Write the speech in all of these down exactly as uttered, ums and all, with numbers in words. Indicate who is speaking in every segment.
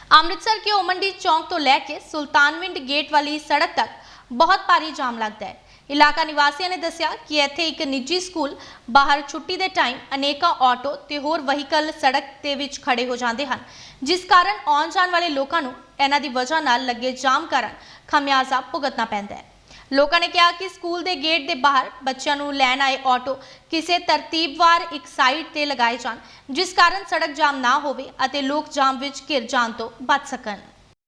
Speaker 1: अमृतसर के ओमंडी चौक तो लैके सुल्तानविंड गेट वाली सड़क तक बहुत भारी जाम लगता है। इलाका निवासियों ने दस्सिया कि इत्थे एक निजी स्कूल बाहर छुट्टी के टाइम अनेकों ऑटो ते होर वहीकल सड़क के विच खड़े हो जाते हैं, जिस कारण आउण जाण वाले लोगों को इन्हां दी वजह नाल लगे जाम कारण खमियाजा भुगतना पैंदा है। लोगों ने कहा कि स्कूल के गेट के बाहर बच्चों को लैन आए ऑटो किसी तरतीबवार एक साइड ते लगाए जान, जिस कारण सड़क जाम ना होवे अते लोग जाम विच घिर जाण तो बच सकन।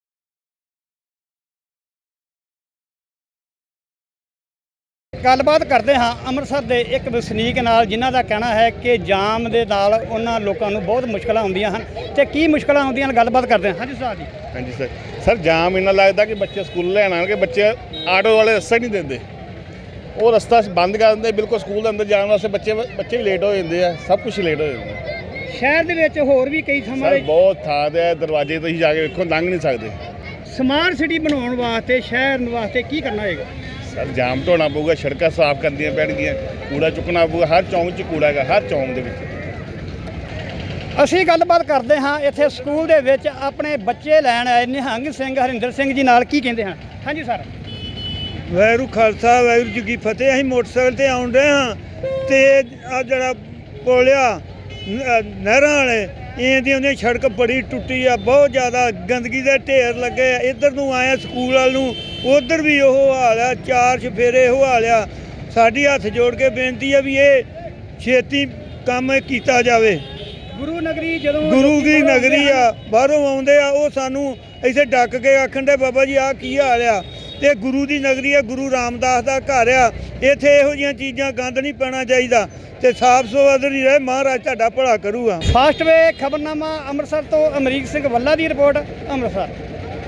Speaker 2: गलबात करते हाँ अमृतसर के एक वसनीक नाल, जिन्हां दा कहना है कि जाम दे नाल उन्हां लोकां नूं बहुत मुश्किल आउंदियां हन ते की मुश्किल आउंदियां हन, गलबात करते हैं। हाँ जी साहब जी।
Speaker 3: हाँ जी सर सर जाम इन्ना लगता कि बच्चे स्कूल लैन आने, बच्चे आटो वाले रस्ता नहीं देंगे, वो रस्ता बंद कर देंगे बिल्कुल स्कूल अंदर जाने वास्ते। बच्चे बच्चे भी लेट हो जाते हैं, सब कुछ लेट हो जाता है।
Speaker 2: शहर दे विच होर भी कई थां
Speaker 3: बहुत थां ते दरवाजे तुसीं जाके वेखो, लंघ नहीं सकते।
Speaker 2: स्मार्ट सिटी बनाउण वास्ते शहर वास्ते की करना होएगा?
Speaker 3: सर जाम ढोना पऊगा, सड़कां साफ करनियां पैणगीਆਂ, कूड़ा चुकना पऊगा। हर चौंक 'ਚ कूड़ा है, हर चौंक दे विच।
Speaker 2: ਅਸੀਂ ਗੱਲਬਾਤ ਕਰਦੇ ਹਾਂ ਇੱਥੇ ਸਕੂਲ ਦੇ ਵਿੱਚ ਆਪਣੇ ਬੱਚੇ ਲੈਣ ਆਏ ਨਿਹੰਗ ਸਿੰਘ ਹਰਿੰਦਰ ਸਿੰਘ ਜੀ ਨਾਲ, ਕੀ ਕਹਿੰਦੇ ਹਨ? ਹਾਂਜੀ ਸਰ।
Speaker 4: ਵਾਹਿਗੁਰੂ ਖਾਲਸਾ ਵਾਹਿਗੁਰੂ ਜੀ ਕੀ ਫਤਿਹ। ਅਸੀਂ ਮੋਟਰਸਾਈਕਲ ਤੇ ਆਉਣ ਰਹੇ ਹਾਂ ਤੇ ਆ ਜਿਹੜਾ ਪੁਲਿਆ ਨਹਿਰਾਂ ਵਾਲੇ ਇਹਦੀ ਉਹਦੀ ਸੜਕ ਬੜੀ ਟੁੱਟੀ ਆ, ਬਹੁਤ ਜ਼ਿਆਦਾ ਗੰਦਗੀ ਦੇ ਢੇਰ ਲੱਗੇ ਆ। ਇੱਧਰ ਨੂੰ ਆਏ ਸਕੂਲ ਵੱਲ ਨੂੰ, ਉੱਧਰ ਵੀ ਉਹ ਹਾਲ ਆ, ਚਾਰ ਚਫੇਰੇ ਉਹ ਹਾਲ ਆ। ਸਾਡੀ ਹੱਥ ਜੋੜ ਕੇ ਬੇਨਤੀ ਆ ਵੀ ਇਹ ਛੇਤੀ ਕੰਮ ਕੀਤਾ ਜਾਵੇ।
Speaker 2: ਗੁਰੂ ਨਗਰੀ ਜਦੋਂ
Speaker 4: ਗੁਰੂ ਦੀ ਨਗਰੀ ਆ, ਬਾਹਰੋਂ ਆਉਂਦੇ ਆ ਉਹ ਸਾਨੂੰ ਇੱਥੇ ਡੱਕ ਕੇ ਆਖਣ ਦੇ ਬਾਬਾ ਜੀ ਆਹ ਕੀ ਹਾਲ ਆ। ਤੇ ਗੁਰੂ ਦੀ ਨਗਰੀ ਆ, ਗੁਰੂ ਰਾਮਦਾਸ ਦਾ ਘਰ ਆ, ਇੱਥੇ ਇਹੋ ਜਿਹੀਆਂ ਚੀਜ਼ਾਂ ਗੰਦ ਨਹੀਂ ਪੈਣਾ ਚਾਹੀਦਾ ਤੇ ਸਾਫ ਸੁਥਰੀ ਰਹੇ। ਮਹਾਰਾਜ ਤੁਹਾਡਾ ਭਲਾ ਕਰੂਗਾ।
Speaker 2: ਫਾਸਟ ਵੇ ਖਬਰਨਾਮਾ ਅੰਮ੍ਰਿਤਸਰ ਤੋਂ ਅਮਰੀਕ ਸਿੰਘ ਵੱਲਾ ਦੀ ਰਿਪੋਰਟ, ਅੰਮ੍ਰਿਤਸਰ।